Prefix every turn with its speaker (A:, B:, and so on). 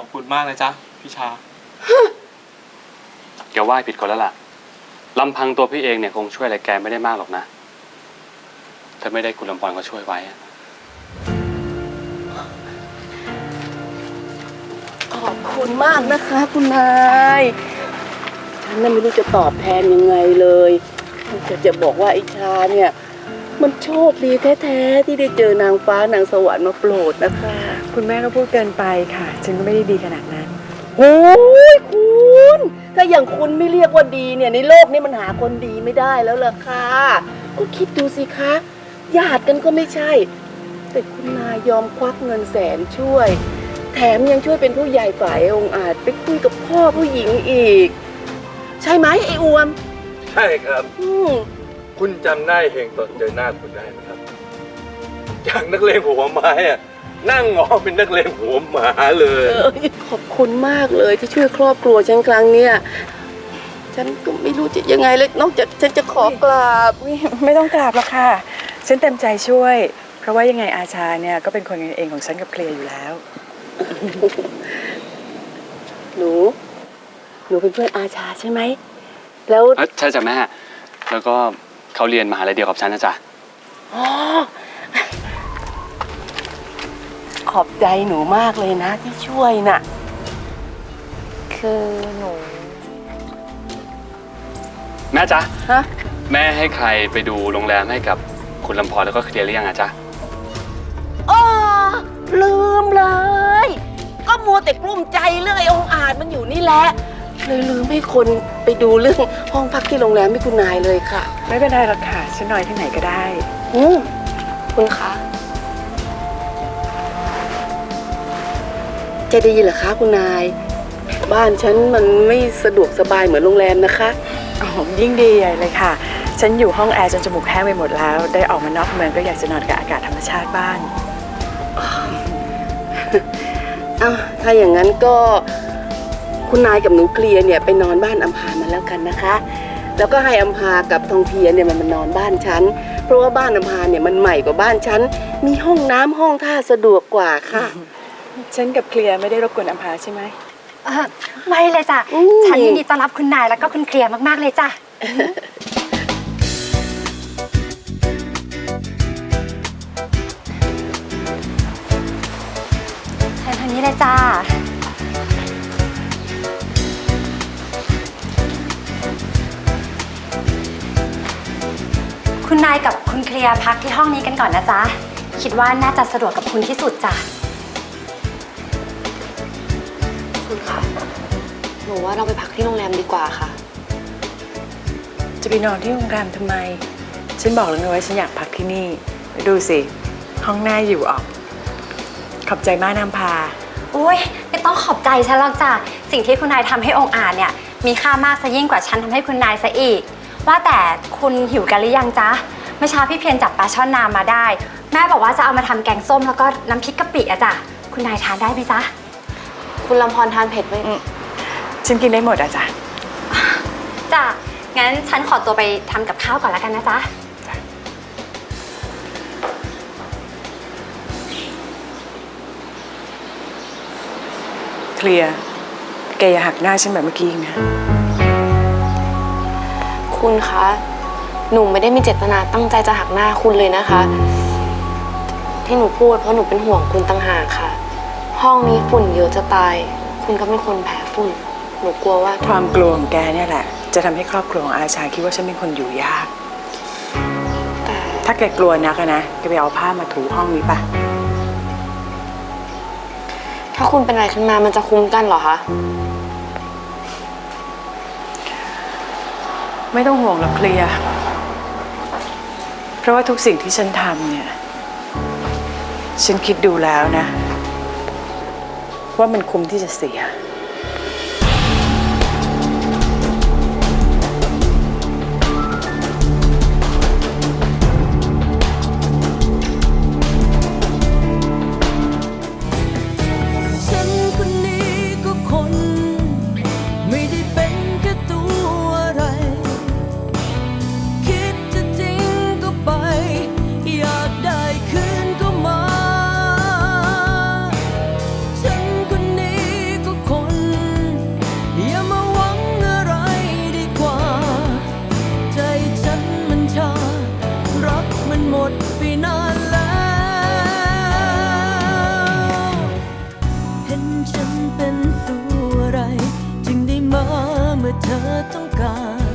A: คุณมากนะจ๊ะพี่ชา
B: แกไหว้ผิดคนแล้วล่ะลำพังตัวพี่เองเนี่ยคงช่วยอะไรแกไม่ได้มากหรอกนะถ้าไม่ได้คุณลำพรเขาช่วยไว้
C: ขอบคุณมากนะคะคุณนายฉันน่ะไม่รู้จะตอบแทนยังไงเลยจะบอกว่าไอ้ชาเนี่ยมันโชคดีแท้ๆที่ได้เจอนางฟ้านางสวรรค์มาโปรดนะคะ
D: คุณแม่ก็พูดเกินไปค่ะฉันก็ไม่ได้ดีขนาดนั้น
C: โอ้ยคุณถ้าอย่างคุณไม่เรียกว่าดีเนี่ยในโลกนี้มันหาคนดีไม่ได้แล้วล่ะค่ะก็คิดดูสิคะญาติกันก็ไม่ใช่แต่คุณนายยอมควักเงินแสนช่วยแถมยังช่วยเป็นผู้ใหญ่ฝ่ายองค์อาจไปคุยกับพ่อผู้หญิงอีกใช่ไหมไอ้อวม
E: ใช่ครับคุณจำได้เฮงตอนเจอหน้าคุณได้ไหมครับจากนักเลงหัวไม้อะนั่งงอเป็นนักเลงหัวหมาเลย
C: ขอบคุณมากเลยที่ช่วยครอบครัวฉันครั้งเนี้ยฉันก็ไม่รู้จะยังไงเลยนอกจากฉันจะขอกราบ
D: ไม่ต้องกราบหรอกค่ะฉันเต็มใจช่วยเพราะว่ายังไงอาชาเนี่ยก็เป็นคนกันเองของฉันกับเคลียร์อยู่แล้ว
C: หนูเป็นเพื่อนอาชาใช่ไหมแล้ว
B: ใช่จ้ะแม่แล้วก็เขาเรียนมหาลัยเดียวกับฉันนะจ๊ะ
C: อ๋อขอบใจหนูมากเลยนะที่ช่วยน่ะ
D: คือหนู
B: แม่จ๊ะ
C: ฮะ
B: แม่ให้ใครไปดูโรงแรมให้กับคุณลำพรแล้วก็เคลียร์หรือยังอะจ๊ะ
C: อ๋อลืมเลยก็มัวแต่กลุ้มใจเรื่องไอ้องค์อาจมันอยู่นี่แหละเลยลืมให้คนไปดูเรื่องห้องพักที่โรงแรมให้คุณนายเลยค่ะ
D: ไม่เป็นไรหรอกค่ะฉันนอนที่ไหนก็ได้
C: คุณคะจะดีเหรอคะคุณนายบ้านฉันมันไม่สะดวกสบายเหมือนโรงแรมนะคะ
D: อ๋อยิ่งดีใหญ่เลยค่ะฉันอยู่ห้องแอร์จนจมูกแห้งไปหมดแล้วได้ออกมานอกเมืองก็อยากจะนอนกับอากาศธรรมชาติบ้าง
C: ถ้าอย่างนั้นก็คุณนายกับหนูเคลียร์เนี่ยไปนอนบ้านอัมพามาแล้วกันนะคะแล้วก็ให้อัมพากับทองเพียเนี่ยมันมานอนบ้านฉันเพราะว่าบ้านอัมพาเนี่ยมันใหม่กว่าบ้านฉันมีห้องน้ำห้องท่าสะดวกกว่าค่ะ
D: ฉันกับเคลียร์ไม่ได้รบกวนอัมพาใช่ไหม
F: ไม่เลยจ้ะฉันยินดีต้อนรับคุณนายแล้วก็คุณเคลียร์มากๆเลยจ้ะเชิญทางนี้เลยจ้าคุณนายกับคุณเคลียร์พักที่ห้องนี้กันก่อนนะจ๊ะคิดว่าน่าจะสะดวกกับคุณที่สุดจ้ะ
G: คุณคะหนูว่าเราไปพักที่โรงแรมดีกว่าค่ะ
D: จะไปนอนที่โรงแรมทำไมฉันบอกแล้วไงว่าฉันอยากพักที่นี่ดูสิห้องหน้าอยู่ออกขอบใจมากน้ำพา
F: อุ้ยไม่ต้องขอบใจฉันหรอกจ้ะสิ่งที่คุณนายทำให้องค์อาจเนี่ยมีค่ามากซะยิ่งกว่าฉันทำให้คุณนายซะอีกว่าแต่คุณหิวกันหรือยังจ๊ะเมื่อเช้าพี่เพียรจับปลาช่อนนามาได้แม่บอกว่าจะเอามาทำแกงส้มแล้วก็น้ำพริกกะปิอะจ้ะคุณนายทานได้ไหมจ๊ะ
G: คุณลำพรทานเผ็ดไหม
D: ฉันกินได้หมดอะจ๊ะ
F: จ้ะงั้นฉันขอตัวไปทำกับข้าวก่อนแล้วกันนะจ๊ะ
D: เคลียร์แกอย่าหักหน้าฉันแบบเมื่อกี้นะ
G: คุณคะหนูไม่ได้มีเจตนาตั้งใจจะหักหน้าคุณเลยนะคะที่หนูพูดเพราะหนูเป็นห่วงคุณต่างหากค่ะห้องนี้ฝุ่นเยอะจะตายคุณก็เป็นคนแพ้ฝุ่นหนูกลัวว่า
D: ความกลัวของแกเนี่ยแหละจะทำให้ครอบครัวของอาชาคิดว่าฉันเป็นคนอยู่ยากแต่ถ้าแกกลัวนักนะแกไปเอาผ้ามาถูห้องนี้ปะ
G: ถ้าคุณเป็นอะไรขึ้นมามันจะคุ้มกันเหรอคะ
D: ไม่ต้องห่วงหรอกเคลียร์เพราะว่าทุกสิ่งที่ฉันทำเนี่ยฉันคิดดูแล้วนะว่ามันคุ้มที่จะเสีย
A: ดไปนานแล้วเห็นฉันเป็นตัวอะไรจึงได้มาเมื่อเธอต้องการ